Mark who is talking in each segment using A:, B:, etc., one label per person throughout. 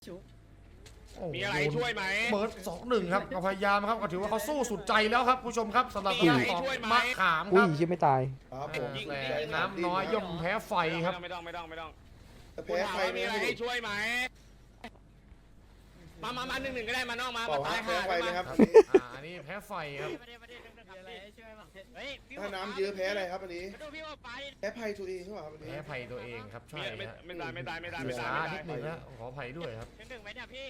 A: มีอะไรช่วยไหม
B: เบิร์ด2-1ครับก็พยายามครับก็ถือว่าเขาสู้สุดใจแล้วครับผู้ชมครับสำหรับการต่อมะขามค
C: อุ้ย
B: รับ
C: ยังไม่ตาย
D: ครับผม
B: แต่น้ำน้อยย่อมแพ้ไฟครับ
A: ไม่ต้อง
D: แพ้ใคร
A: มี
D: เนี่ย
A: อะไรให้ช่วยไหมมา1-1ก็ได้มานอกมา
D: เปล่า
A: ตาย
D: แพ้ไฟเลยครับ
B: อันนี้แพ้ไฟครับ
D: ถ้าน้ำเยอะแพ้อะไรครับอันนี้แพ้ภัยตัวเองหรือเปล่าครับอันนี้
B: แพ้ไฟตัวเองครับใช่ฮะ
A: ไม่ตาย
B: ช้านิดนึงนะขออภัยด้วยครับ
A: 1ไหมเนี่ยพี่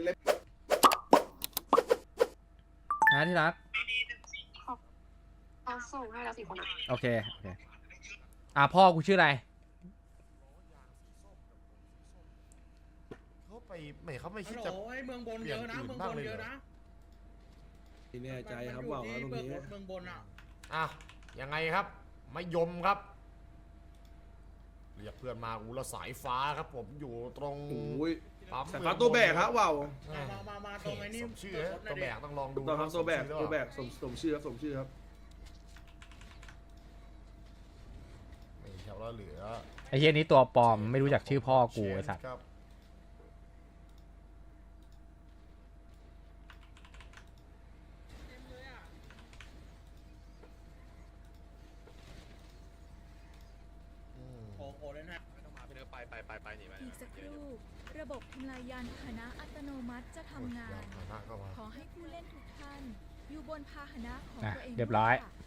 C: นะที่รัก
E: เอาส่งให้แล้ว4 คนอ่ะ
C: โอเคพ่อกูชื่ออะไร
B: เขาไม่คิด
F: ฮัล
B: จะ
F: โหลไอ้เมืองบนเยอะนะ เมืองบนเยอะนะ
G: ไม่แน่ใจครับว่าตรงนี้
F: เมืองบนอ่ะ
B: อ่ะยังไงครับไม่ยมครับเรียกเพื่อนมาอูละสายฟ้าครับผมอยู่ตรง
G: โอ้ย
B: ปั๊ม
G: สายฟ้าตัวแบกครับว้าว
F: มาตรงไอ้นี่
B: สมชื่อฮะตัวแบกต้องลองดู
G: ตัวครับตัวแบกสมชื่อครับสมชื่อครับ
B: นี่ครับแล้วเหลือ
C: ไอ้เหี้ยนี้ตัวปลอมไม่รู้จักชื่อพ่อกูไอ้สัตว์
B: ครับอืม
F: โอ้โหเลยนะ
A: ไม่ต้องมาไปหนีไป
H: อีกสักครู่ระบบทำลายยานพาหนะอัตโนมัติจะทำงาน
B: ยพาหนะก็มา
H: ขอให้ผู้เล่นทุกท่าน อยู่บนพาหนะของตัวเอง
C: เรียบร้อย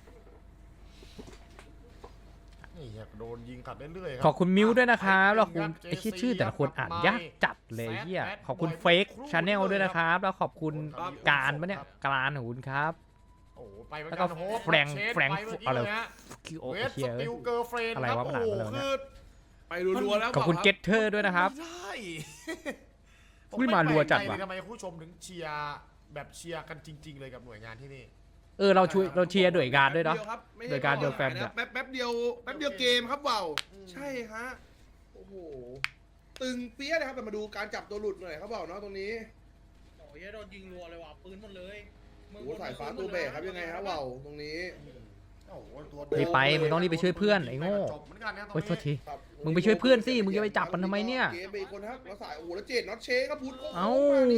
B: นี่ครับโดนยิงขัดเรื่อยๆครั
C: ขอบคุณมิวด้วยนะครับแล้วคุณไอ้ชื่อแต่ละคนอ่านยากจัดเลยเหี้ยขอบคุณเฟกชาแนลด้วยนะครับแล้วขอบคุณการปะเนี่ยการของคุณครับ
B: โอ้โหไปเหมือน
C: แล้ว
B: กั
C: ก็
B: นโฮป
C: แฟรงค์
B: เชน
C: แฟรงค์
B: ปเมื่กี้
C: อะไร
B: เลยฮะ
C: คิวโอ
B: เวส
C: เฮีย
B: สติลเกิร์ลเฟรนด์
C: อะไร
B: ครับ
C: วะ
B: โอ้
C: มันอ่าน
B: โห
C: มาแล้ว
B: คือ
G: ไปรัวๆแล้ว
C: ขอบคุณเกตเทอร์ด้วยนะครับ
B: ไม่ได้
C: อุ้ยมารัวจัดว่ะ
B: ผมไม่แปลกใจเลยทำไมผู้ชมถึงเชียร์แบบเชียร์กันจริง ๆ เลยกับหน่วยงานที่นี่
C: เราเชียร์โดยการด้วยเนาะ โดยการเดียวแฟมเนี่ย
G: แป๊บเดียวเกมครับว้าวใช่ฮะโอ้โหตึงเปี้ยเลยครับแต่มาดูการจับตัวหลุดหน่อยครับว้าวเนาะตรงนี้
F: โอ้ยโดนยิงรัวเลยว่ะปืนหมดเลย
D: โอ้โหสายฟ้าตัวแบกครับยังไงครับว้าวตรงนี้
B: โอ้โหตัว
C: รีบไปมึงต้องรีบไปช่วยเพื่อนไอ้โง่
B: จบเหมือนกันนะตรง
C: โอ้ยโทษ
B: นี้
C: ที
D: ครับ
C: มึงไปช่วยเพื่อนสิมึงจะไปจับมันทำไมเนี่ย
D: เกมไปอีกคนครับแล้วสายโอ้โหแล้วเจดน็อตเชครับพุทธ
C: เอ้า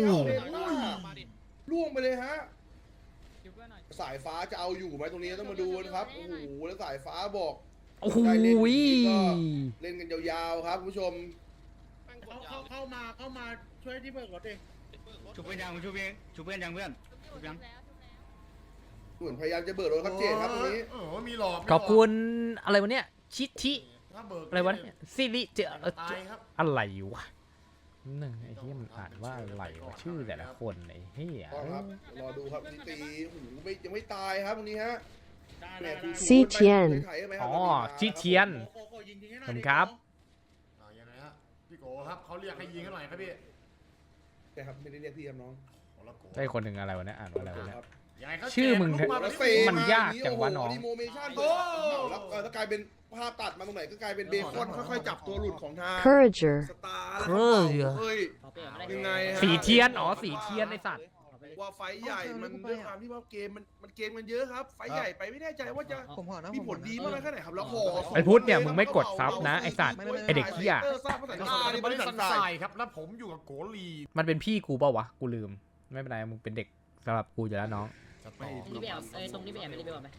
D: ล่วงไปเลยฮะสายฟ้าจะเอาอยู่ไหมตรงนี้ต้องมาดูนะครับโอ้โหแล้วสายฟ้าบอก
C: โอ้โห
D: เล่นกันยาวๆครับคุณผู้ชม
F: เข้ามาช่วยที่เบิกรถเอง
A: ชุบเพื่อนยังเพื่อนชุบยัง
D: เหมือนพยายามจะเบิกรถครับเจดครับตรงนี้
B: โอ้โหมีหลอก
C: ขอบคุณอะไรวะเนี่ยชิ
B: ถ้าเบิก
C: อะไรวะเนี่ยซิริเจอ
B: ตายครับ
C: อะไรวะนึงไอ้เหี้ยมันอ่านว่าอะไรวะชื่อแต่ละคนไอ้เหี้ย
D: ก็ครับรอดูครับนี่ตีโอ้โหยังไม่ตายครับตรงนี้ฮะ
E: ซีเทียน
C: อ๋อชิเทียน ผมครับ
B: ยังไงฮะพี่โกครับเขาเรียกให้ยิงให้หน่อยครับพี่
D: ใช่ครับไม่ได้เรียกพี่ครับน้อง
B: โอ้ละโก
C: ได้คนหนึ่งอะไรวะเนี่ยอ่านว่าอะไรวะเนี่ย
D: ครับ
B: ยังไงเขา
C: ชื่อมึง
B: แจกลูกา
D: แล้ว
B: แบบ
D: เซ
C: มันยากจังวะน้อง
D: โโหดีโมเมชั่น
B: โอ้
D: แล้วกลายเป็นภาพตัดมาตรงไหนก็กลายเป็นเบคอนค่อยๆจับตัวหลุดของทาง
E: Courager
D: สตาร์
C: เออ
D: เฮ้ยยังไงฮะ
C: สีเทียนสีเทียนไอ้สัตว์
D: ว่าไฟใหญ่มันด้วยความที่ว่าเกมมันเกมกันเยอะครับ ไฟใหญ่ไปไม่แน่ใจว่าจะมีผลดีมากน้อยแค่ไหนครับแล้วห่อ
C: ไอ้พุทธเนี่ยมึงไม่กดซับนะไอ้สัตว์ไอ้เด็กเหี้ย
D: ทราบภาษา
B: แล้ว
D: ตา
B: ก็
D: นี่
B: บ
D: บ
B: ริ
D: ริ
B: ษั
D: ษั
B: ท
D: ท
B: ท
D: ท
B: ราร
D: าย ย
B: ครับแล้วผมอยู่กับโกลี
C: มันเป็นพี่กูเปล่าวะกูลืมไม่เป็นไรมึงเป็นเด็กสำหรับกูอยู่แล้วน้อง
B: จะต่อ
I: นี่ไปแอบตรงนี้ไปแอบไม่ได้ไปบอกไหม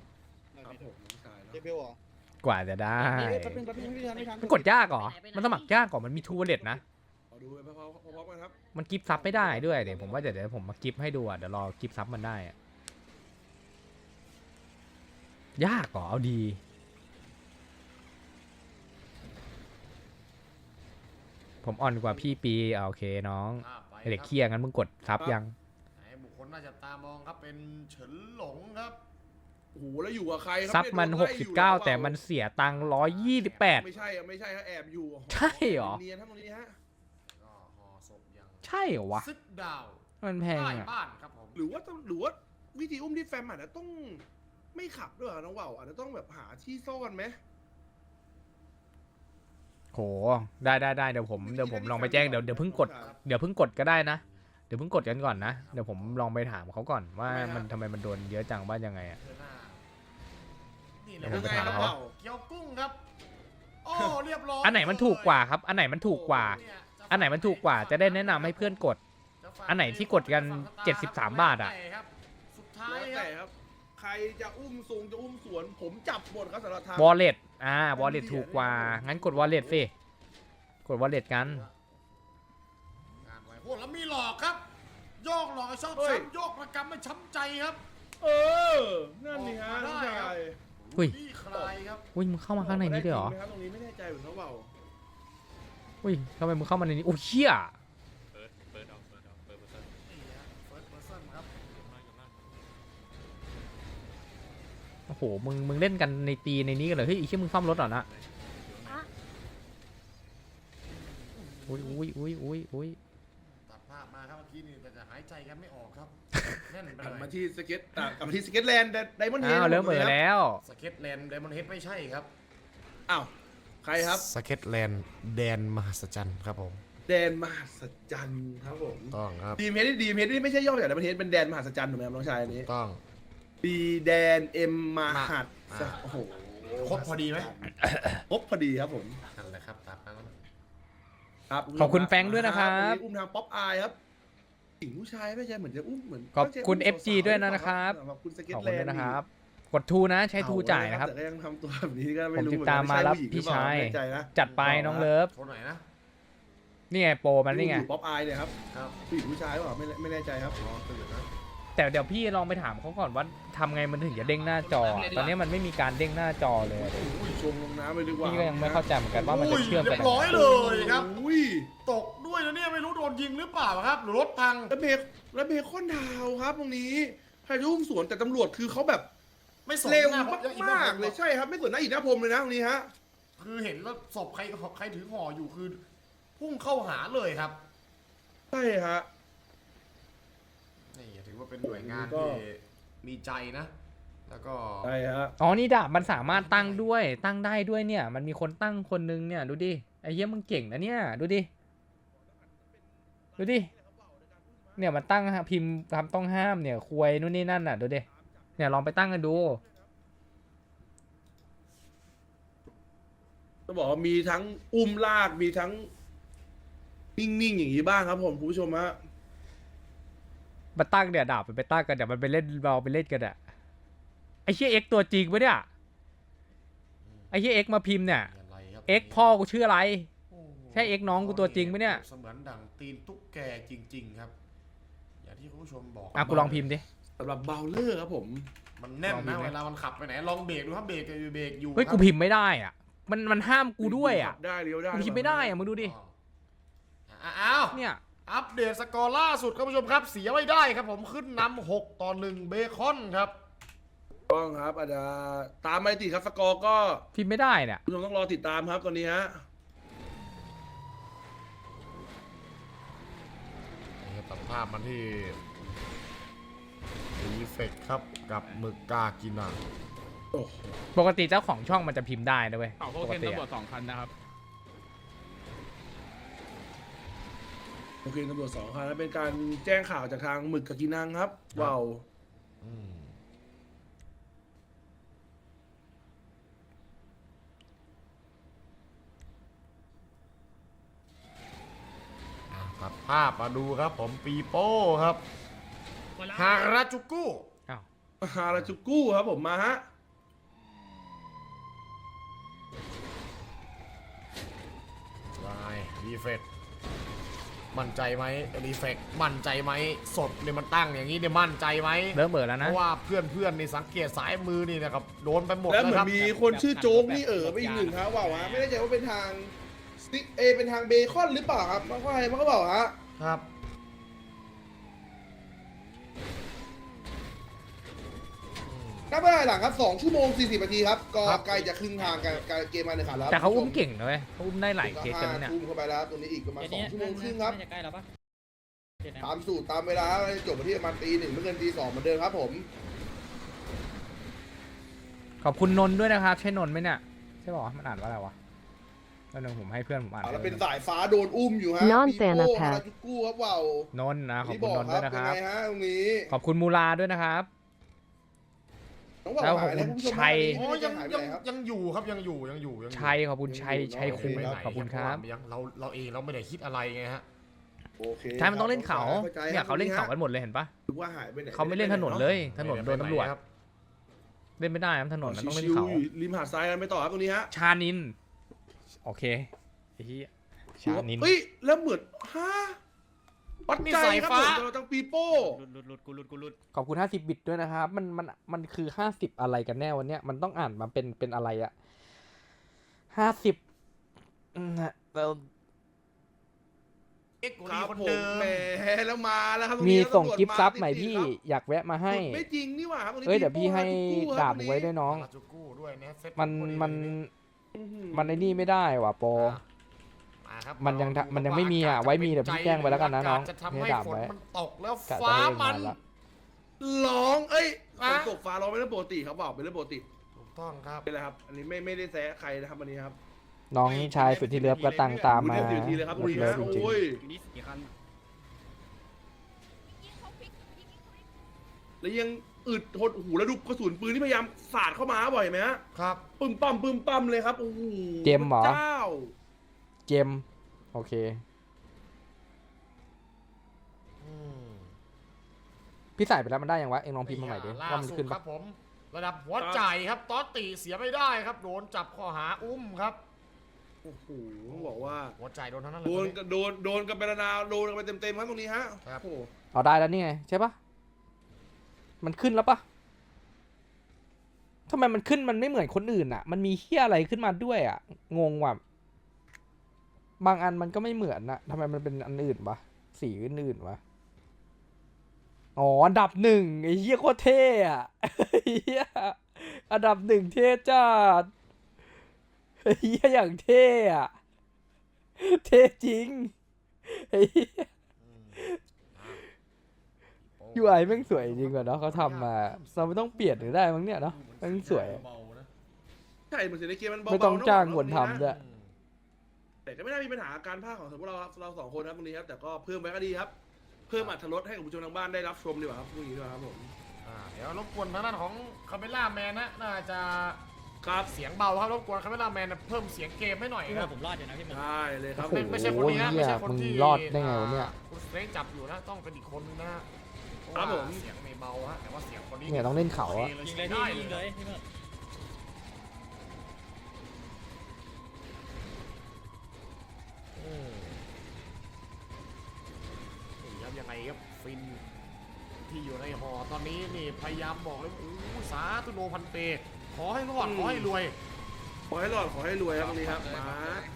C: กว่าจะได้มันกดยากเหรอมันสมัครยากกว่ามันมีทูเล็ตนะ
D: ดูไปพร้อมๆกันครับ
C: มันกิฟต์ซับไม่ได้ด้วยเดี๋ยวผมว่าเดี๋ยวผมมากิฟต์ให้ดูอ่ะเดี๋ยวรอกิฟต์ซับมันได้อะยากเหรอเอาดี ผมอ่อนกว่าพี่ปีโอเคน้องไอ้เด็กเคี้ยงั้นมึงกดซับยัง
B: ไหนบุคคลน่าจะตามองครับเป็นเฉินหลงครับ
D: โอ้โหแล้วอยู่กับใครครั
C: ซับมัน
D: เยโดไล่อยู่
C: 69แต่มันเสียตังค์128
D: ไม่ใช่ฮะแอบอยู่
C: ใช่เหรอ
D: เนียนครับตรงนี้ฮะ
B: ก็ห่อศพอย่าง
C: ใช่เหรอวะ
B: ซึกดาว
C: มันแพง
B: ใต้
C: อ่ะ
B: บ้านครับผม
D: หรือว่าวิธีอุ้มที่แฟมอาจจะต้องไม่ขับด้วยเหรอน้องว่าวอาจจะต้องแบบหาที่ซ่อนไหม
C: โหได้เดี๋ยวผมลองไปแจ้งเดี๋ยวเพิ่งกดก็ได้นะเดี๋ยวเพิ่งกดกันก่อนนะเดี๋ยวผมลองไปถามเขาก่อนว่ามันทำไมมันโดนเยอะจังว่ายังไงอ่ะ
B: เธอหน้านี่เล
C: เดี๋
B: ย
C: ยวผมไปถาม
B: ครับ
C: เขา
B: เกี๊ยวกุ้งครับโอ้เรียบร้อย
C: อันไหนมันถูกกว่าครับอันไหนมันถูกกว่า
B: เนี่ยเจ้
C: อันไหนมันถูกกว่าจะได้แนะนำให้เพื่อนกด อันไหนที่กดกัน73 บาทอะ
B: สุดท้าย
G: แล้ว
B: ครั
G: แต่
B: บ
G: ครับ ใครจะอุ้มสูงจะอุ้มสวน ผมจับหมดครับสำหรับทาง
C: wallet wallet ถูกกว่างั้นกด wallet สิกด wallet กัน
B: งานไว้พวกแล้วมีหลอกครับ โยกหลอกชอบช้ำโยกประกำไม่ช้ำใจครับ
G: เออ นั่นนี่ฮะ
B: ออกมาได้
G: น้อง
B: ครับ
G: ชาย
C: อุ้ย
B: นี่ใครครับ
C: อุ้ยมึงเข้ามาข้างในนี้ด้วยเหรอ
G: ได้จงไหมครับตรงนี้ไม่แน่ใจเหมือนเขาเปล่า
C: อุ้ยทำไมมึงเข้ามาในนี้โอ้เชี่ย
A: เปิดออกเปิดเปิด
B: นี่ฮะ first person ครับ
C: โอ้โหมึงเล่นกันในตีในนี้กันเลยเฮ้ยไอ้เชี่ยมึงซ่อมรถเหรอนะอุ้ย
B: ตัดภาพมาครับเมื่อกี้นี่แต่จะหายใจกันไม่ออกครับแน่นไป
G: กลับ
B: เล
G: มาย ที่สเก็ตกลับมาที่สเก็ตแลนด์ไดมอนด์เฮด
C: อ้าวเริ่มเออแล้ว
B: สเก็ตแลนด์ไดมอนด์เฮดไม่ใช่ครับ
G: อ้าว ใครครับ
B: สเก็ตแลนด์แดนมหัศจรรย์ครับผม
G: แดนมหัศจรรย์ครับผม
B: ต้องครับ
G: ดีมเฮดนี่ไม่ใช่ย่อมาจากไดมอนด์เฮดเป็นแดนมหัศจรรย์ถูกไหมครับน้องชายอันนี้
B: ต้อง
G: ดีแดนเอ็มมหัศโอ้โห
B: ครบพอดีไหม
G: ครบพอดีครับผม
B: นั่นแหละครับตามนั้น
G: ครับ
C: ขอบคุณแฟรงค์ด้วยนะครับ
G: อุ้มทางป๊อปอายครับหญิงผู้ชายไม่ใช่เหมือนจะอุ้มเหมือน
C: ขอบคุณ
G: ไม่ใช่
C: FG ด้วยนะครับ
G: ขอบคุณสเก็ต
C: ขอบ
G: แล
C: คุณ
G: น
C: ด้วย
G: ด์
C: นะครับ กดทูนะใช้ทูจ่ายนะครับ
G: แต่ก็ยังทำตัวแบบนี้ก็ไม่
C: ผม
G: รู้
C: ติดตามมารับพี่ชาย
G: ไม่แน่ใจนะ
C: จัดไปน้องเลิฟ
B: โทรหน่อยนะ
C: นี่ไงโปรมันนี่ไง
G: ป๊อปอายเนี่ยครับ
B: ครับ
G: ผู้หญิงผู้ชายเปล่าไม่แน่ใจครับ
B: รอตื่นนะ
C: แต่เดี๋ยวพี่ลองไปถามเขาก่อนว่าทำไงมันถึงจะเด้งหน้าจอ ตอนนี้มันไม่มีการเด้งหน้าจอเลย
G: อุ้ยชงลงน้ำเลยดีกว่า
C: พี่ก็ยังไม่เข้าใจเหมือนกันว่ามันจะเชื่อม
B: เรี
C: กั
B: ย
C: น
B: บร้อยเลยครับ
G: อุ้ย
B: ตกด้วยนะเนี่ยไม่รู้โดนยิงหรือเปล่าครับ หรือรถพัง
G: แล้วเบคอนดาวครับตรงนี้พายุอุ้มสวนแต่ตำรวจคือเขาแบบ
B: ไม่สน
G: เร็ว
B: หน้
G: มากๆเลยใช่ครับ ไม่สนหน้าอินหน้าพรมเลยนะตรงนี้ฮะ
B: คือเห็นแล้วศพใครถือห่ออยู่คือ พุ่งเข้าหาเลยครับ
G: ใช่ฮะ
B: นี่ถือว่าเป็นหน่วยงาน
G: ก็
B: ที่มีใจนะ แล้วก็
G: ใช่ฮะ
C: อ๋อนี่ดาบมันสามารถตั้งด้วยตั้งได้ด้วยเนี่ย มันมีคนตั้งคนนึงเนี่ยดูดิไอ้เหี้ยมึงเก่งนะเนี่ยดูดิเนี่ยมันตั้งพิมพ์คำต้องห้ามเนี่ยควยนู่นนี่นั่นน่ะดูดิเนี่ยลองไปตั้งกันดู
G: ต้องบอกว่ามีทั้งอุ้มลากมีทั้งนิ่งๆอย่างนี้บ้างครับผมคุณผู้ชมฮะ
C: มาตั้งเนี่ยดาบมันไปตั้งกันเดี๋ยวมันไปเล่นเราไปเล่นกันอะไอ้เชี่ยเอ็กตัวจริงปะเนี่ยไอ้เชี่ยเอ็กมาพิมพ์เนี่ย
B: มีอะไรครับ
C: เอ็กพ่อกูชื่ออะไร
B: โอ้โห
C: ใช่เอ็กน้องกูตัวจริงปะเนี่ย
B: เสมือนดั่งตีนตุ๊กแกจริง ๆ ครับ อย่างที่คุณผู้ชมบอก
C: อ่ะกูลองพิมพ์ดิ
G: สำหรับเบลเลอร์ครับผม
B: มันแน่น
C: ลองพิ
B: นะ
C: มพ์ไหม
B: เวลามันขับไปไหนลองเบรกดูครับเบรกอยู่
C: เฮ้ย
B: ค
C: กู
B: รับ
C: พิมพ์ไม่ได้อ่ะมันห้ามกูด้วยอ่ะ
G: ได้เลี้ยวได้
C: กูพิมพ์ไม่ได้อ่ะมึงดูดิ
B: อ้าว
C: เนี่ย
B: อัปเดตสกอร์ล่าสุดครับผู้ชมครับเสียไม่ได้ครับผมขึ้นนำ6-1เบคอนครับ
G: ต้องครับอาจจะตามมาติดครับสกอร์ก็
C: พิมพ์ไม่ได้เนี่ย
G: คุณผู้ชมต้องรอติดตามครับตอนนี้ฮะ
B: ตัดภาพมันที่รีเฟกครับกับหมึกกากินัง
G: โอ้โห
C: ปกติเจ้าของช่องมันจะพิมพ์ได้นะเว้ย
A: เอาพวก
C: ปก
A: เคน
C: ติ
A: ตำรวจ
C: อะ
A: 2 คันนะครับ
G: โอเคตำรวจ2คันแล้วเป็นการแจ้งข่าวจากทางหมึกกับกินังครับว้าว
B: อืมตัดภาพมาดูครับผมปีโป้ครับฮาราจูกุ
C: อ้าว
G: ฮาราจูกุครับผมมาฮะ
B: ลายรีเฟกมั่นใจไหมรีเฟกมั่นใจไหมสดเนี่ยมันตั้งอย่างนี้เนี่ยมั่นใจไหม
C: เริ่มเบิดแล้ว
B: เพ
C: นะ
B: ราะว่าเพื่อนนี่สังเกตสายมือนี่นะครับโดนไปหมด
G: แล้ว
B: แล้ว
G: เหมือ
B: ครับ
G: นมีคนชื่อโจ๊กนี่ไปอีกหนึ่งครับว้าวฮะไม่แน่ใจว่าเป็นทางสติ๊กเป็นทางเบคอนหรือเปล่าครับมันก็อะไรมันก็บอกฮะ
B: ครับ
G: นับเวลาหลังครับ2 ชั่วโมง 40 นาทีครับ ก็ใกล้จะครึ่งทางการเกมมาในขาแล้ว
C: แต่เขาอุ้มเก่งนะเว้ยเขาอุ้มได้หลายเคสกันนะเนี่ย
G: อุ้มเข้าไปแล้วตรงนี้อีกประมาณ
I: เดี๋ยวนี้
G: 2 ชั่วโมงครึ่งครับ
I: น่าจะใกล้แล้วปะเดี๋ยวนะ
G: ตามสูตรตามเวลาจบมาที่ประมาณตี 1ไม่เกินตี 2เหมือนเดิมครับผม
C: ขอบคุณนนท์ด้วยนะครับ ใช่นนท์ไหมเนี่ยใช่ป่าวะมันอ่านว่าอะไรวะแล้วนึงผมให้เพื่อนผมอ่าน
G: แล้วเป็นสายฟ้าโดนอุ้มอยู่ฮะ
E: Non
G: ปีโป้
E: Thanapath
G: ฮาราจูกุครับว้าวน
C: นท์นะขอบ
G: ที่
C: คุ
G: บ
C: ณ
G: อก
C: นนท์
G: ค
C: ด้
G: รั
C: วยนะค
G: ยัง
C: รับ
G: ไงฮะตรงนี้
C: ขอบคุณมูลาด้วยนะครับ
G: ตน้องบอก
C: แล้วข
G: หา
C: อบ
G: ย
C: คุ
G: แล้ว
C: ณ
G: คุณผู้ชม
C: ชัย
B: อ๋อ
G: ยั
B: ยัง ง
G: หายไป
B: ยัง
G: ไหนครับ
B: ยังอยู่ครับยังอยู่ยังอยู่
C: ชัยขอบคุณชัย
G: ยังอยู่
C: ชัยคูณ
G: เนอะ
C: ขอบคุณครับ
B: ยังเราเองเราไม่ได้คิดอะไรไงฮะ
G: โอเค
C: ใช่มันต้องเล่นเขา
G: ข้ใจ
C: เนี่ย
G: ครับ
C: เขาเล่นเขากันหมดเลยเห็นปะ
G: นึกว่าหายไปไหน
C: เขาไม่เล่นถนนเลย ถนนโดนตำรวจ
B: ครับ
C: เล่นไม่ได้ครับถนนมันต้องเล่น
G: ชิว
C: เขา
G: ๆอยู่ริมหาดทรายกันไปต่อครับตรงนี้ฮะ
C: ชานิน โอเคไอ้เหี้ยชานิน
G: เฮ้ยแล้วเหมือนฮะปัด
B: นี่
G: ใจ
B: สาย
G: ครับ
B: ฟ้า
G: ผมเราตั้งปีโป้
A: กูหลุด
C: ขอบคุณ50 บิตด้วยนะครับ มันคือ50อะไรกันแน่วันเนี้ยมันต้องอ่านมาเป็นอะไรอะ50นะเรา
B: เอ็กซ์
G: ค
B: ดี
G: รับ
B: คน
G: ผ
B: เดิ
G: ม
B: ม
G: แหมแล้วมาแล้วครับตรง
C: มี
G: นี้
C: ส่ง
G: ตำรวจ
C: กิฟต์ซับใหม่
G: ติดๆ
C: พี่
G: ครับ
C: อยากแวะมาให้
G: ไม่จริงนี่หว่าครับตรงนี้
C: เอ้ยเดี๋ยวพี่ให้
G: ปีโป้
C: ดาบ
G: ครับ
C: มึงไว้ด้วยน้อง
B: ราจูกู้ด้วยนะเซ็ต
C: มัน
B: พอดี
C: มัน
B: เลย
G: อื้อหือ
C: มันไอ้นี่ไม่ได้ว่ะโปร
B: มาครับ
C: มันยัง
B: เราดู
C: มันยังไม่มีอ่ะ
B: ว่า
C: ไว้มีเดี๋ยวพี่แจ้งไปแล้วกันนะน้อง
B: จะทำ
C: ให้
B: ให้
C: ดาบ
B: ฝน
C: ไว้
B: มันตกแล้ว
C: กะจะ
B: ฟ้า
C: เล่น
B: มัน
C: มาละ
G: ร้องเอ้ยฝ
B: อะ
G: นตกฟ้าร้องเป็นเรื่องปกติครับบอกเป็นเรื่องปกติ
B: ถูกต้องครับ
G: เป็นไรครับ อันนี้ไม่ได้แซะใครนะครับอันนี้ครับ
C: น้องชายสุดที่เลิฟก็ตังตามมา
G: เดี๋ยวทีเลยครับตรงนี้
C: เลิ
G: นะ
C: ฟจริง
G: โอ้ย
A: นี่สี่คัน
G: แล้วยังอึดหดหูแล้วดูกระสุนปืนที่พยายามสาดเข้ามาบ่อยไหมฮะ
B: ครับ
G: ปึ้มปั้มเลยครับโอ้โห
C: เจมส์เหรอ
G: พะเจ้า
C: เจมโอเค
B: อืม
C: พี่ใส่ไปแล้วมันได้ยังวะ เอ็งลองพิมพ์มาใหม่ดิ
B: ล่า
C: ว่ามัน
B: สุด
C: ขึ้น
B: ค
C: ปะ
B: รับผม ระดับหัวใจครับตอตติเสียไม่ได้ครับ โดนจับข้อหาอุ้มครับ
G: โอ้โหต้องบอกว่า
B: หัวใจโดนทั้งนั้นเล
G: โดน
B: ย
G: โดนกันไปนาวโดนกันไปเต็มๆครับตรงนี้ฮะ
B: ครับ
G: โอ้โห
C: เอาได้แล้วนี่ไงใช่ปะมันขึ้นแล้วปะทำไมมันขึ้นมันไม่เหมือนคนอื่นอ่ะ มันมีเฮี้ยอะไรขึ้นมาด้วยอ่ะ งงว่ะ บางอันมันก็ไม่เหมือนอะทำไมมันเป็นอันอื่นวะ สีอื่นๆวะ อ๋อ อันดับหนึ่งไอ้เหี้ยโคตรเท่อะไอ้เหี้ยอันดับหนึ่งเท่จัดไอ้เหี้ยอย่างเท่อะเท่จริงไอ้เหี้ย UI แม่งสวยจริงกว่าเนาะเขาทำมาเราไม่ต้องเปลี่ยนหรือได้มั้งเนี่ยเนาะแม่งสวย
G: ใช่เหมือนเสียงในเกมมันเบาๆ
C: ไม่ต้องจ้าง
G: เะ
C: คนทำด้วย
G: แต่ก็ไม่น่ามีปัญหาการพากย์ของพวกเราสองคนครับตรงนี้ครับแต่ก็เพิ่มไว้ก็ดีครับ เพิ่มอรรถรสให้กับผู้ชมทางบ้านได้รับชมดีกว่าครับพวกนี้ด้วยครับผม
B: เดี๋ยวรบกวนทางด้านของคาเมล่าแมนนะน่าจะ
G: ครับ
B: เสียงเบาครับรบกวนคาเมล่าแมนเพิ่มเสียงเกมให้หน่อย
I: พี่
B: ค
I: ว่า
B: รับ
I: ผมรอดอยู่นะพี่มัน
G: ได้เลยครับ
C: โอ้โห
B: ไม่ใช่คนนี้นะไม่ใช่คนที่
C: มึงรอดได้ไงวะเนี่ย
B: คุณสเตนจับอยู่นะต้องเป็นอีกคนนึงนะเพราะ
G: ครับผม
B: ว่าเสียงไม่เบาฮะแต่ว่าเสียงคนนี้
C: เนี่ยต้องเล่นเขาอะ
I: ยิงเลย
B: ได้
I: พี่ยิงเลยพี่มัน
B: อืมนี่ครับยังไงครับฟินที่อยู่ในหอตอนนี้นี่พยายามบอกเลยโอ้สาธุโนพันเต ขอให้รอดขอให้รวย
G: ขอให้รอดขอให้รวยครับตรงนี้ครับมา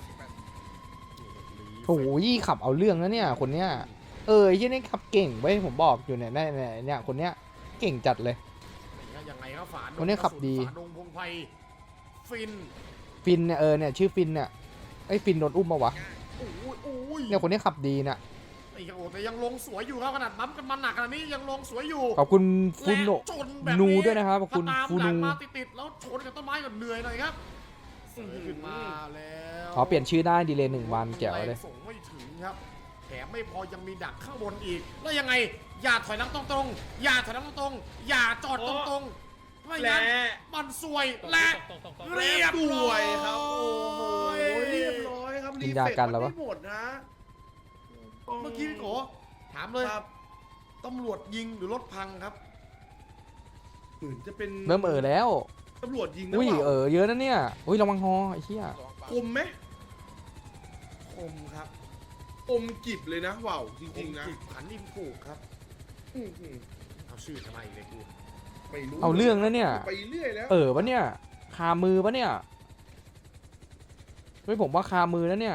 C: โอ้ยขับเอาเรื่องนะเนี่ยคนเนี้ยไอ้ที่นี่ขับเก่งเว้ยผมบอกอยู่เนี่ยเนี่ยคนเนี้ยเก่งจัดเลย
B: ยังไงครับฝาดง
C: คนนี้ขับดี
B: ฝาดงพงไพรฟิน
C: ฟินเนี่ยเนี่ยชื่อฟินเนี่ยไอ้ฟินโดนอุ้มมาวะ
B: โอ้ยโอ้ย
C: เนี่ยคนนี้ขับดีน่ะ
B: ไอ้โอ้แต่ยังลงสวยอยู่ครับขนาดบั๊มกันมาหนักขนาดนี้ยังลงสวยอยู่
C: ขอบคุณฟูโน
B: และชนแบบ
C: นูด้วยนะครับขอบคุณ
B: ถ้าตาม
C: ฟู
B: หลั
C: นู
B: งมาติดๆแล้วชนกับต้นไม้ก็เหนื่อยหน่อยครับขึ้นมาแล้ว
C: อ๋อเปลี่ยนชื่อได้ดีเลย1 วันแจ๋วเลย
B: ส่งไม่ถึงครับแถมไม่พอยังมีดักข้างบนอีกแล้วยังไงอย่าถอยหลังตรงๆอย่าถอยหลังตรงๆอย่าจอดตรงๆไม่งั้นมันซวยและ
I: ตก
B: เรียบ
G: ส
B: ร้
G: ว
B: อย
G: ครับโอ้โหเรียบร้อยครับ
C: กินยากันแล้ววะ
G: ไม่หมดนะ
B: เมื่อกี้พี่โกถามเลย
G: ครับ
B: ตำรวจยิงหรือรถพังครับ
G: เหมือนจะเป็น
C: เริ่มแล้ว
G: ตำรวจยิงนะ
C: อุ้ย
G: เปล่า
C: เยอะนะเนี่ยอุ้ยระวังฮอไอ้เหี้ย
G: คมไหม
B: คมครับ
G: คมกิบเลยนะว้าวจริงๆนะ
B: จิตขันอิมผูกครับ
G: อื้อหือ
B: เอาชื่อทำไมอีกเลยกู
G: ไม่รู้
C: เอาเรื่องนะเนี่ย
G: ไปเรื่อยแล้ว
C: ปะเนี่ยคามือปะเนี่ยเฮ้ยผมว่าคามือแล้วเนี่ย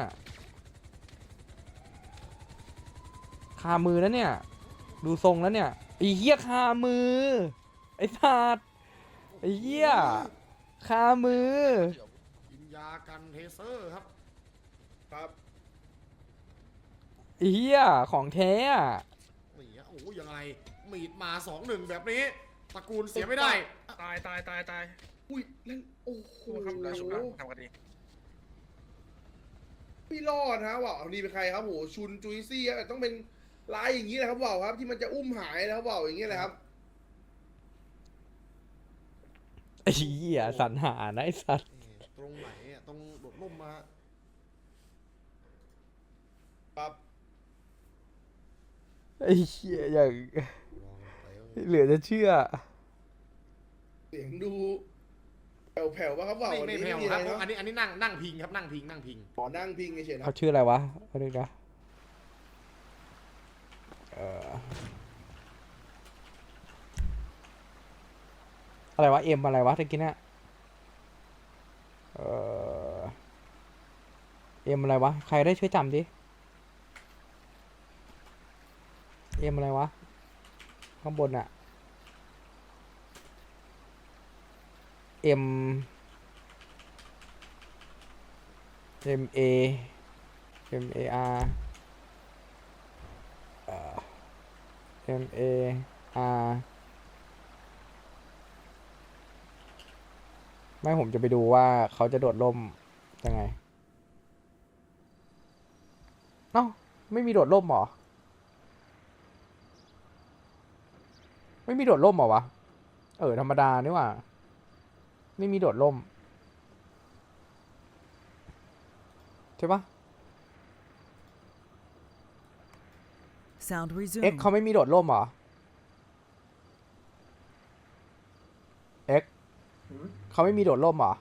C: คามือแล้วเนี่ย ดูทรงแล้วเนี่ยไอ้เหี้ยคามือไอ้สัตว์ไอ้เหี้ยคามือ
B: กินยากันเทเซอร์ครับ
G: ครับ
C: ไอ้เหี้ยของแท้อะ
B: นี่ฮะโอ้ยยังไงมีดมา 2-1 แบบนี้ตระกูลเสียไม่ได้
A: ตาย
G: อุ้ยเล่นโอ้โห
A: ครับได้ชุบนะทำกันดี
G: ไม่รอดฮะว้าวนี่เป็นใครครับโหชุนจุยซี่ครับต้องเป็นลายอย่างนี้แหละครับว้าวครับที่มันจะอุ้มหายนะครับว้าวอย่างนี้แหละครับ
C: ไอ้เหี้ยสรรหานะไอ้สัตว์
B: ตรงไหนอ่ะตรงโดดร่มมา
D: ครับ
C: ไอ้เหี้ยอย่างเหลือจะเชื่อ
D: เสียงดูแผ่วๆป่ะครับว่า
B: ไม่
D: วัน
B: ไม่
D: นี้
B: แผ่
D: ไม่
B: ว
D: มี
B: ค
D: อะ
B: รั
D: ไร
B: บ
D: เนาะ
B: อันนี้นั่งพิงครับนั่งพิง
D: ขอนั่งพิงเฉยๆนะ
C: เขาชื่ออะไรวะเอาดูนะอะไรวะเอ็มอะไรวะตะกี้เนี่ยเอ็มอะไรวะใครได้ช่วยจำดิเอ็มอะไรวะข้างบนอะเอ็มเอ็มเอเอ็มเออาร์เอ็มเออาร์ไม่ผมจะไปดูว่าเขาจะโดดร่มยังไงเอ้าไม่มีโดดร่มเหรอไม่มีโดดร่มเหรอวะธรรมดานี่หว่าไม่มีโดดร่มใช่ปะ
J: Sound
C: เอ็ก
J: resumed.
C: เขาไม่มีโดดร่มเหรอเอ็กเขาไม่มีโดดร่มเหรอ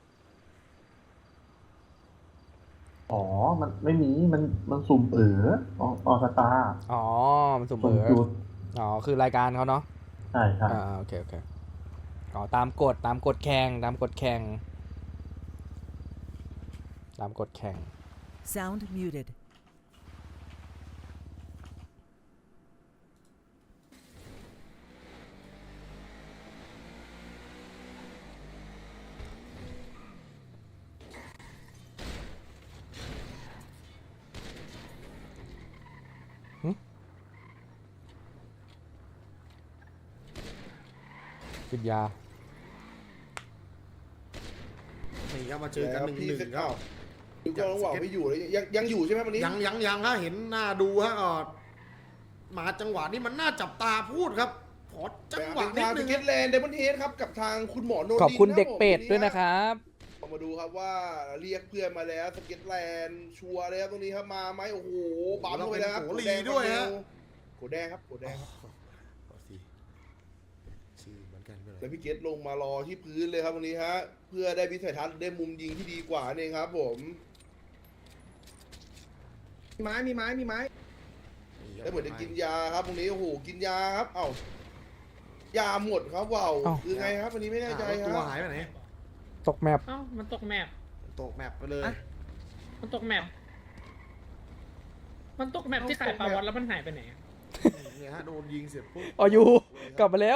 K: อ๋อ มันไม่มี มันสุ่มออสตาร์
C: อ๋อมันสุ่ม
K: สุ่มจุด
C: อ๋อคือรายการเขาเนาะ
K: ใช่ครับ
C: โอเคอ๋อตามกฎแข่งตามกฎแข่ง
J: Sound muted.
C: กินยา
B: นี่ครับมาเจอกัน
D: แล้วพี่
B: 1-1 ครับ
D: ดูกองหว่างไม่อยู่เลยยังอยู่ใช่ไหมวันนี้
B: ยังฮะเห็นหน้าดูฮะมาจังหวะนี้มันน่าจับตาพูดครับ ขอจังหวะ
D: เป็น
B: นิด
D: ทาง
B: นึ
D: ส
B: ง
D: เก็ตแลนด์เดมอนเฮดครับกับทางคุณหมอโนดิน
C: ขอบคุณ
D: นะ
C: เด็กเป็ด
D: ผม
C: ด้วยนะครับ
D: เรามาดูครับว่าเรียกเพื่อนมาแล้วสเก็ตแลนด์ชัวร์เลยครับตรงนี้ครับมาไหมโอ้โหบัมเข้าไปแล้วครับ
B: โอ้โหลีด้วยฮะ
D: โกแดงครับโกแดงครับ
B: ชื่อเหมือนกันเลย
D: แล้วพี่เกตลงมารอที่พื้นเลยครับตรงนี้ฮะเพื่อได้วิสัยทัศน์ได้มุมยิงที่ดีกว่านี่เองครับผม
F: มีไม้มีไม้มีไม้
D: แล้วเหมือนจะกินยาครับตรงนี้โอ้โหกินยาครับเอ้ายาหมดครับว้าว
C: เอ้า
D: คือไงครับวันนี้ไม่แน่ใจค
B: ตัว
D: รับ
B: หายไปไหน
C: ตกแมป
I: เอ้ามันตกแมป
B: ตกแมปไปเลย
I: มันตกแมปมันตกแมปที่ขายปลาวัดแล้วมันหายไปไหนอะ
B: เนี่ยฮะโดนยิงเสร็จปุ๊บ
C: อ๋ออยู่กลับมาแล้ว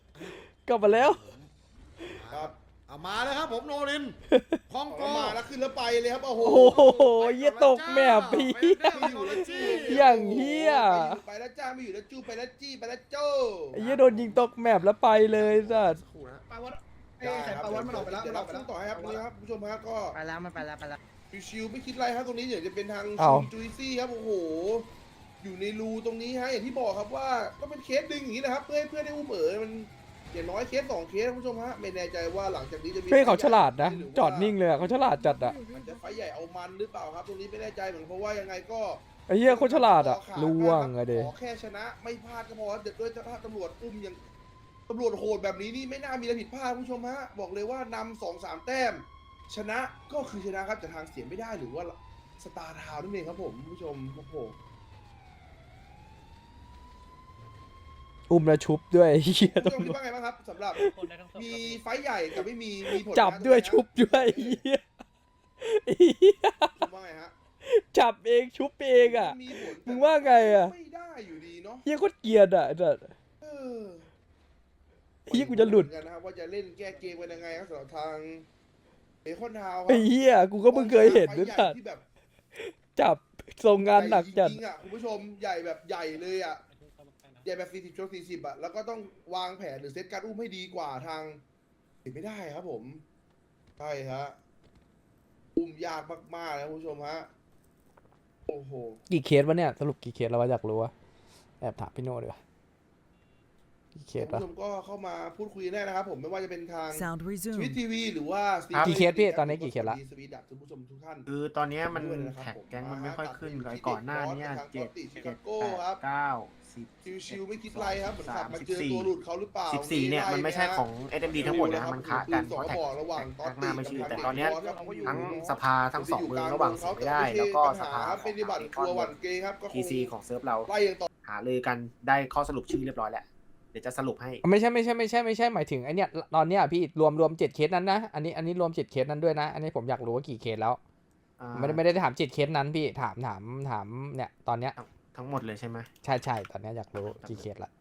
D: ครับ
B: เอามาแล้วครับผมโนรินคองโก
D: เอามาแล้วขึ้นแล้วไปเลยครับโอ้โห
C: โอ้โหเหี้ยตกแมปพี่
B: ไม่อยู่แล้วจี้
C: อย่างเหี้ย
D: ไปแล้วจ้าไม่อยู่แล้วจู้ไปแล้วจี้ไปแล้วโจ้
C: ไอ้เหี้ยโดนยิงตกแมปแล้วไปเลยสัส
B: คู่นะ
F: ปลาวัดไอ้ไข่ปลาวัดมันออกไปแล้ว
D: เดี๋ยว
F: มันอ
D: รั
F: อบ กไป
D: สู้
F: แล้ว
D: ต่อให้ครับตรงนี้ครับผู้ชมฮะก็
I: ไปแล้วมันไปแล้ว
D: ชิวๆไม่คิดอะไรครับตรงนี้เดี๋ยวจะเป็นทาง
C: อ้าว
D: จุยซี่ครับโอ้โหอยู่ในรูตรงนี้ฮะอย่างที่บอกครับว่าก็เป็นเคสดึงอย่างนี้นะครับเพื่อให้เพื่อนได้อุ้มมันอย่างน้อยเคส2เคสนะผู้ชมฮะไม่แน่ใจว่าหลังจากนี้จะมี
C: เฮ้ยเขาฉลาดนะ
D: หรือว่า
C: จอดนิ่งเลยอะเขาฉลาดจัดอะ
D: มันจะไฟใหญ่เอามันหรือเปล่าครับตรงนี้ไม่แน่ใจเหมือนเพราะว่ายังไงก็
C: ไอ้เหี้ยเขาฉลาดอะล่วงอะเด
D: ขอแค่ชนะไม่พลาดก็พอเด็ดด้วยถ้าตำรวจอุ้มยังตำรวจโหดแบบนี้นี่ไม่น่ามีอะไรผิดพลาดคุณผู้ชมฮะบอกเลยว่านำ2-3 แต้ม ชนะก็คือชนะครับจากทางเสียไม่ได้หรือว่าสตาร์ทาวน์นั่นเองครับผมคุณผู้ชมโอ้โห
C: อุ้มแล้วชุบด้วยไอ้เหี้ย
D: คุณ
C: ตำ
D: ผู้ชม
C: ร
D: คิด
C: วจ
D: ว่าไงบ้างครับสำหรับมีไฟท์ใหญ่กับไม่มีผล
C: จับด้วยชุบด้วยไอ้เหี้ยไอ้เหี้ย
D: คุณว่าไงฮะ
C: จับเองชุบเองอะ
D: มีผล
C: มึงว่าไงอะ
D: ไม่ได้อยู่ดีเนาะ
C: เหี้ยโคตรเกลียดอะไอ้สัส
D: เออ
C: เหี้ยกูจะหลุด
D: กันนะครับว่าจะเล่นแก้เกมกันยังไงครับสำหรับทางเบคอนทาวน์ค
C: ไอ้
D: รับ
C: เหี้ยกูก็เพิ่งเคยเห็นด้วย
D: ไฟ
C: สั
D: ท์
C: ส
D: ใหญ่ที่แบบ
C: จับส่งงานหนักจัด
D: ใญ่จริงๆอ่ะคุณผู้ชมใหญ่แบบใหญ่เลยอ่ะใหญ่แบบ40 ชก 40อ่ะแล้วก็ต้องวางแผนหรือเซตการอุ้มให้ดีกว่าทางติดไม่ได้ครับผมใช่ฮะอุ้มยากมากๆนะคุณผู้ชมฮะโอ้โห
C: กี่เคสวะเนี่ยสรุปกี่เคสแล้ววะอยากรู้วะแอบถามพี่โน่ดีกว่ากี่เค
D: คุ
C: ส
D: ณ
C: ปะ
D: ผู้ชมก็เข้ามาพูดคุยได้นะครับผมไม่ว่าจะเป็นทาง
J: Sound
D: สวิต
J: resumed.
D: ทีวีหรือว่า
C: กี่เคสพี่ตอนนี้กี่เคสละ
D: สวีดักทุกผู้ชมทุกท่าน
B: คือตอนเนี้ยมัน
D: ด้วยนะครับ
B: แท็ก
D: ผม
B: แก๊งมันไม่ค่อยขึ้น
D: มา
B: ไอ้ก่อนหน้าเนี้ย
D: ทาง
B: เจ็ด
D: Totti
B: เจ็ด
D: Chicago
B: แป
D: ครับ
B: ดเก้าสิบ
D: ชิวๆไม่คิดไรครับเหมือนขับมาเจอ
B: 14
D: ตัวหลุดเขาหรือเปล่า
B: 14เนี่ยมันไม่ใช่ของ SMD ทั้งหมดนะมันค้ากัน
D: สอง
B: เพราะแท็ก
D: บอกระหว่าง
B: แท็กหน้าไม่ชื่อ
D: กับ
B: แต่ตอนเนี้ย
D: ครับ
B: ทั้งสภาทั้งสองเมืองระหว่างเสียไม่ได้ แล้วก็สภา
D: ครับเป็นปฏิบัติครัวหวันเกย์ครับก็ค
B: ที
D: ง
B: ซีของเซิร์ฟเรา
D: ไล่ยังต่อ
B: หาเลยกันได้ข้อสรุปชื่อเรียบร้อยแล้วเดี๋ยวจะสรุปให้
C: ไม่ใช่หมายถึงไอเนี้ยตอนเนี้ยพี่รวม7เคสนั้นนะอันนี้รวม7เคสนั้นด้วยนะ อันนี้ผมอยากรู้ว่ากี่เคสแล้ว ไม่ได้ถาม7เคสนั้นพี่ถามเนี่ยตอนเนี้ย
B: ทั้งหมดเลยใช่ไหม
C: ใช่ตอนเนี้ยอยากรู้กี่เคสละ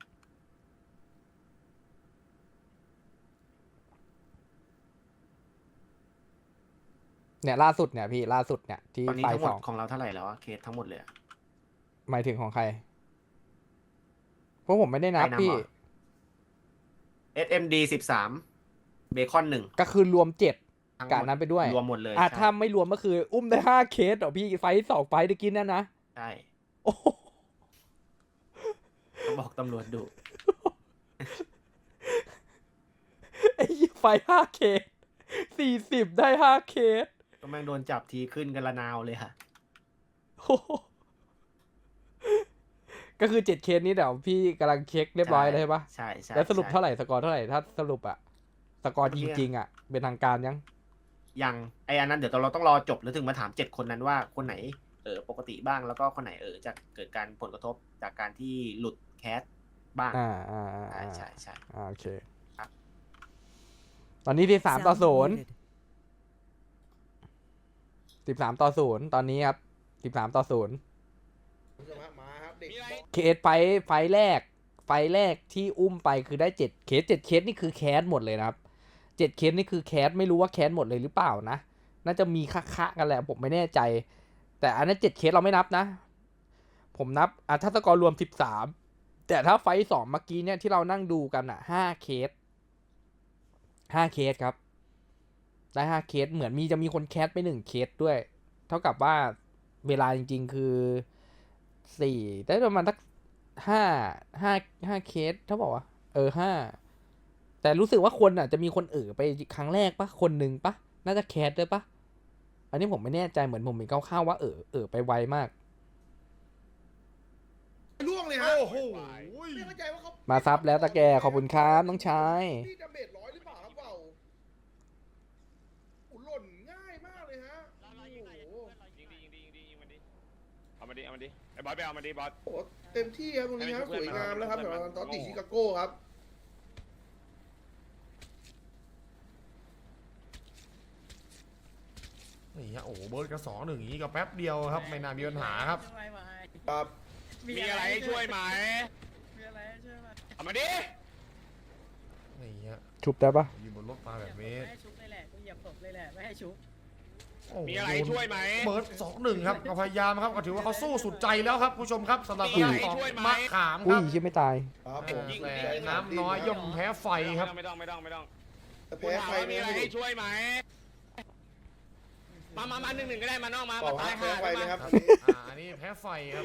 C: เนี่ยล่าสุดเนี่ยพี่ล่าสุดเนี่ยที่
B: ตอนนี้
C: ไฟ
B: ทั้งหม
C: ส
B: ด
C: อง
B: ของเราเท่าไหร่แล้วอะเคสทั้งหมดเลยอะ
C: หมายถึงของใครเพราะผมไม่ได้นับ
B: ใครนำ
C: พี่
B: เหรอ SMD 13เบคอน1
C: ก็คือรวม7
B: ทั้งหม
C: กะ
B: ด
C: นั้นไปด้วย
B: รวมหมดเลย
C: อ่ะ
B: ใช่
C: ถ้าไม่รวมก็คืออุ้มได้5เคสเหรอพี่ไฟ2ไฟตะกี้นั่นนะ
B: ใช่
C: โอ้โห
B: เขาบอกตำรวจดุ
C: ไอ้เหี้ยไฟ5เคส40ได้5เคส
B: ก็แม่งโดนจับทีขึ้นกันละนาวเลยค่ะ
C: โอ้โหก็คือ7เคสนี้เดี๋ยวพี่กำลังเช็คเรียบร้อยเลยใช่ปะ
B: ใช่ใช่
C: แล้วสรุป
B: ใช่
C: เท่าไหร่สกอร์เท่าไหร่ถ้าสรุปอะสกอร์จริงๆอะเป็นทางการยัง
B: ยังไออันนั้นเดี๋ยวเราต้องรอจบแล้วถึงมาถาม7คนนั้นว่าคนไหนปกติบ้างแล้วก็คนไหนจะเกิดการผลกระทบจากการที่หลุดแคสบ้างใช่
C: โอเค
B: ครับ
C: ตอนนี้ที่3-0
J: Sound muted.
C: 13-0ตอนนี้ครับ13-0
D: มาครับเด็ก
C: เคสไฟแรกที่อุ้มไปคือได้7เคสนี่คือแคสหมดเลยนะครับ7เคสนี่คือแคสไม่รู้ว่าแคสหมดเลยหรือเปล่านะน่าจะมีคะกันแหละผมไม่แน่ใจ แต่อันนั้น7เคสเราไม่นับนะ ผมนับถ้าสกอร์รวม13แต่ถ้าไฟ2เมื่อกี้เนี่ยที่เรานั่งดูกัน5เคสครับได้5เคสเหมือนจะมีคนแคสไป1เคสด้วย เท่ากับว่าเวลาจริงๆคือ4ได้ประมาณสัก5เคสถ้าบอกว่า5แต่รู้สึกว่าคนจะมีคนไปครั้งแรกปะคนหนึ่งปะน่าจะแคสด้วยปะอันนี้ผมไม่แน่ใจเหมือนผมเห็นคร่าวๆว่าไปไวมาก
D: ล่วงเลยฮะ
B: โอ้โห
D: ไม่เข้าใจว่าเขา
C: มาซับแล้วตะแกขอบคุณครับน้องชาย
D: นี่ดาเมจ100หรือเปล่าครับเปล่าโอ้หล่นง่ายมากเลยฮะโอ้โห
A: ยิงมันดิเอามาดิไอ้บอสไปเอามาดิบอส
D: โอ้โหเต็มที่ครับตรงนี้ครับสวยงามแล้วครับสำหรับตอตติชิคาโก้ครับ
B: นี่ฮะโอ้โหเบิร์ดกระ2-1อย่างนี้ก็แป๊บเดียวครับไม่น่ามีปัญหาครับ
D: ครับ
A: มีอะไรให้ช่วยไหมเอามาดิ
B: นี่ฮะ
C: ชุบได้ปะ
B: อยู่บนรถมาแบบนี้
I: ไม่ให้ชุบเลยแหละกูเหยียบศพเลยแหละไม่ให้ชุบ
B: โอ้โห
A: มีอะไรให้ช่วยไหม
B: เบิร์ด2-1ครับก็พยายามครับก็ถือว่าเขาสู้สุดใจแล้วครับผู้ชมครับสำหรับ
A: มี
B: ทา
A: อะไร
B: ง
A: ให้
B: ของ
A: ช่วยไหม
B: มะขามค
C: อุ้
B: รั
C: ย
B: บ
C: ชิไม่ตาย
D: ครับผม
B: แต่น้ำน้อยย่อมแพ้ไฟครับ
A: ไม่ต้อง
D: แต่
A: คุณ
D: แพ้
A: ถาม
D: ไฟ
A: ว่ามี
D: เนี่ย
A: อะไรให้ช่วยไหมมา1-1ก็ได้มานอกมา
D: บอก
A: ตา
D: ว่าย แพ้ไฟ
A: ห่า
D: นะครับ
B: อันนี้แพ้ไฟครับ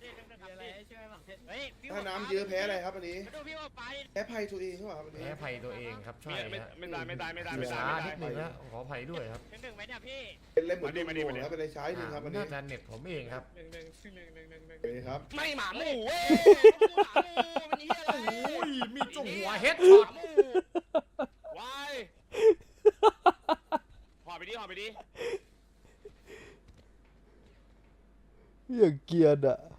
D: ถ้าน้ำเยอะแพ้อะไรครับอันนี้
A: ดูพี่ว่าไป
D: แพ้ภัยตัวเองใช่ไหมครับอันนี้
B: แพ้ไฟตัวเองครับใช่ฮะ
A: ไม่ตาย
B: ช้านิดนึงนะขออภัยด้วยครับ
A: หนึ่งไหมเนี่ยพี่
D: เป็นเล่นเหมือนโดนโดนครับเป็นอะไรใช้หนึ่งครับอันนี้
B: น่าจะเน็ตผมเองครับ
A: หนึ่ง
D: โอเคครับ
A: ไม่หมาหมูเว้ยหมาหมูมันเหี้ยอะไร
B: โอ้ยมีจุ่มหัวเฮดช็อต
A: หมูวายหอไปดิ
C: อย่างเกียร์